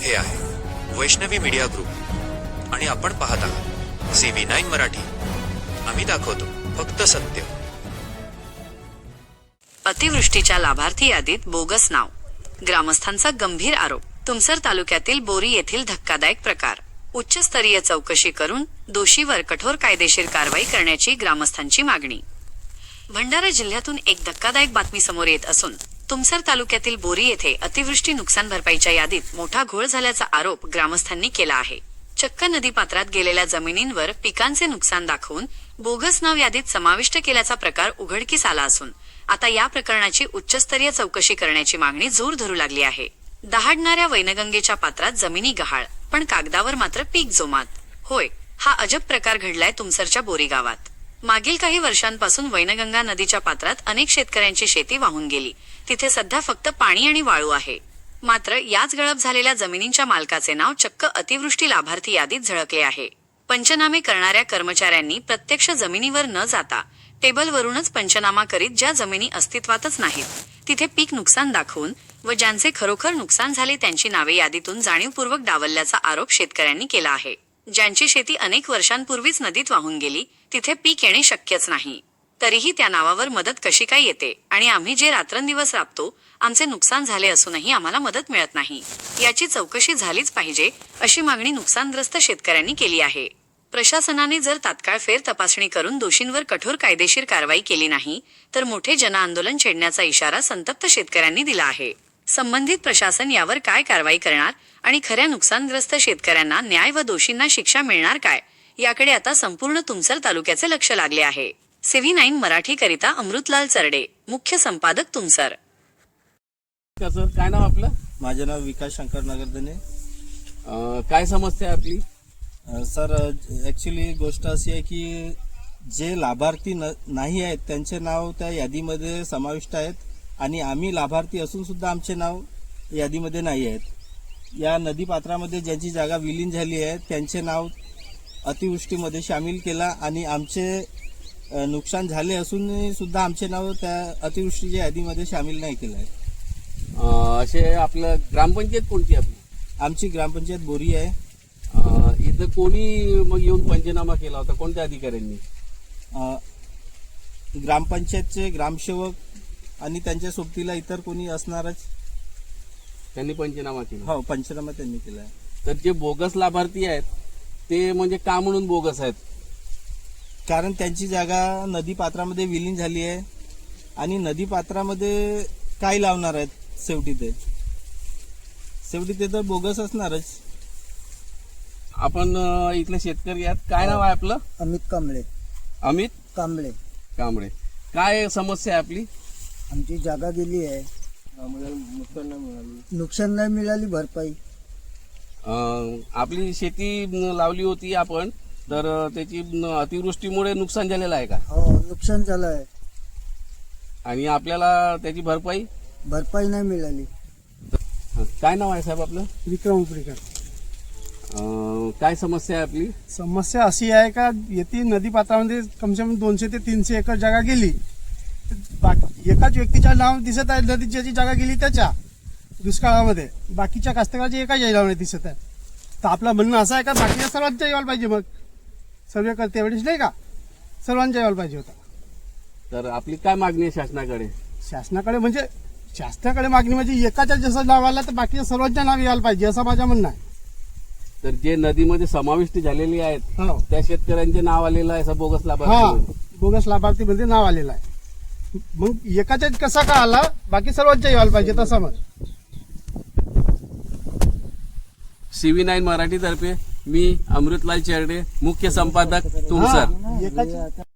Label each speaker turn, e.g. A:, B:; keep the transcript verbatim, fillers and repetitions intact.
A: हे आहे Vaishnavi media group आणि आपण पाहत आहात सी व्ही नाईन मराठी. आम्ही दाखवतो फक्त सत्य.
B: अतिवृष्टीच्या लाभार्थी यादीत बोगस नाव, ग्रामस्थांचा गंभीर आरोप. तुमसर तालुक्यातील बोरी येथील धक्कादायक प्रकार. उच्चस्तरीय चौकशी करून दोषीवर कठोर कायदेशीर कारवाई करण्याची ग्रामस्थांची मागणी. भंडारा जिल्ह्यातून एक धक्कादायक बातमी समोर येत असून तुमसर तालुक्यातील बोरी येथे अतिवृष्टी नुकसान भरपाईच्या यादीत मोठा घोळ झाल्याचा आरोप ग्रामस्थांनी केला आहे. चक्क नदीपात्रात गेलेल्या जमिनींवर पिकांचे नुकसान दाखवून बोगस नाव यादीत समाविष्ट केल्याचा प्रकार उघडकीस आला असून आता या प्रकरणाची उच्चस्तरीय चौकशी करण्याची मागणी जोर धरू लागली आहे. दहाडणाऱ्या वैनगंगेच्या पात्रात जमिनी गहाळ, पण कागदावर मात्र पीक जोमात. होय, हा अजब प्रकार घडलाय तुमसरच्या बोरी गावात. मागील काही वर्षांपासून वैनगंगा नदीच्या पात्रात अनेक शेतकऱ्यांची शेती वाहून गेली. तिथे सध्या फक्त पाणी आणि वाळू आहे. मात्र याच गळप झालेल्या जमिनींच्या मालकाचे नाव चक्क अतिवृष्टी लाभार्थी यादीत झळकले आहे. पंचनामे करणाऱ्या कर्मचाऱ्यांनी प्रत्यक्ष जमिनीवर न जाता टेबलवरूनच पंचनामा करीत ज्या जमिनी अस्तित्वातच नाहीत तिथे पीक नुकसान दाखवून व ज्यांचे खरोखर नुकसान झाले त्यांची नावे यादीतून जाणीवपूर्वक डावलल्याचा आरोप शेतकऱ्यांनी केला आहे. ज्यांची शेती अनेक वर्षांपूर्वीच नदीत वाहून गेली तिथे पीक येणे शक्यच नाही, तरीही त्या नावावर मदत कशी काय येते आणि आम्ही जे रात्रंदिवस राबतो आमचे नुकसान झाले असूनही आम्हाला मदत मिळत नाही, याची चौकशी झालीच पाहिजे अशी मागणी नुकसानग्रस्त शेतकऱ्यांनी केली आहे. प्रशासनाने जर तात्काळ फेर तपासणी करून दोषींवर कठोर कायदेशीर कारवाई केली नाही तर मोठे जनआंदोलन छेडण्याचा इशारा संतप्त शेतकऱ्यांनी दिला आहे. संबंधित प्रशासन यावर काय कारवाई करणार आणि खऱ्या नुकसानग्रस्त शेतकऱ्यांना न्याय व दोषींना शिक्षा मिळणार काय याकडे आता संपूर्ण तुमसर तालुक्याचे लक्ष लागले आहे. सी व्ही नाईन मराठी करिता अमृतलाल चरडे, मुख्य संपादक तुमसर.
C: काय नाव आपलं?
D: माझे नाव विकास शंकर नगरदने.
C: अं, काय समस्या आहे आपली?
D: अ, सर ॲक्च्युली गोष्ट अशी आहे की जे लाभार्थी न नाही आहेत त्यांचे नाव त्या यादीमध्ये समाविष्ट आहेत आणि आम्ही लाभार्थी असून सुद्धा आमचे नाव यादीमध्ये नाही आहेत. या नदीपात्रामध्ये ज्यांची जागा विलीन झाली आहे त्यांचे नाव अतिवृष्टीमध्ये सामील केला आणि आमचे अ, नुकसान झाले असून सुद्धा आमचे नाव त्या अतिवृष्टीच्या यादीमध्ये सामील नाही केलं आहे.
C: अं, असे आपलं ग्रामपंचायत कोणती आपली?
D: आमची ग्रामपंचायत बोरी आहे.
C: अं, इथं कोणी मग येऊन पंचनामा केला होता? कोणत्या अधिकाऱ्यांनी?
D: अ, ग्रामपंचायतचे ग्रामसेवक आणि त्यांच्या सोबतीला इतर कोणी असणारच.
C: त्यांनी पंचनामा केला?
D: हो, पंचनामा त्यांनी केला आहे.
C: तर जे बोगस लाभार्थी आहेत ते म्हणजे का म्हणून बोगस आहेत?
D: कारण त्यांची जागा नदीपात्रामध्ये विलीन झाली आहे आणि नदीपात्रामध्ये काय लावणार आहेत? शेवटी ते शेवटी ते तर बोगस असणारच.
C: आपण अं, इथले शेतकरी आहेत. काय नाव आहे आपलं?
E: अमित कांबळे.
C: अमित
E: कांबळे.
C: कांबळे. काय समस्या आहे आपली?
E: आमची जागा गेली आहे,
D: नुकसान नाही मिळाली.
E: नुकसान नाही मिळाली भरपाई.
C: अं, आपली शेती न, लावली होती आपण, तर अं, त्याची न, अतिवृष्टीमुळे नुकसान झालेलं आहे का?
E: हो, नुकसान झालं आहे.
C: आणि आपल्याला त्याची भरपाई
E: भरपाई नाही मिळाली.
C: हं, काय नाव आहे साहेब आपलं?
F: विक्रम उपरीकर.
C: अं, काय समस्या आहे आपली?
F: समस्या अशी आहे का येथे नदीपात्रामध्ये कमसे कम दोनशे ते तीनशे एकर जागा गेली. बाकी एकाच व्यक्तीच्या नाव दिसत आहे, नदीत ज्याची जागा गेली त्याच्या दुष्काळामध्ये, बाकीच्या कास्तकाराची एका यायला दिसत आहे. तर आपलं म्हणणं असं आहे का बाकीच्या सर्वांच्या यायला पाहिजे, मग सर्वे करते वेळेस नाही का सर्वांच्या यायला पाहिजे होता.
C: तर आपली काय मागणी आहे शासनाकडे?
F: शासनाकडे म्हणजे शासनाकडे मागणी म्हणजे एकाच्या जसं नाव आलं तर बाकीच्या सर्वांच्या नाव यायला पाहिजे असं माझं म्हणणं आहे.
C: तर जे नदीमध्ये समाविष्ट झालेली आहेत
F: हो,
C: त्या शेतकऱ्यांचे नाव आलेलं आहे असं बोगस
F: हा,
C: लाभार्थी?
F: बोगस लाभार्थी मध्ये नाव आलेलं आहे. मग एकाच्या कसा का आला, बाकी सर्वांच्या यायला पाहिजे तसा. मग
C: सी व्ही नाईन मराठी तर्फे मी अमृतलाल चेरडे, मुख्य संपादक तुमसर.
F: एकाची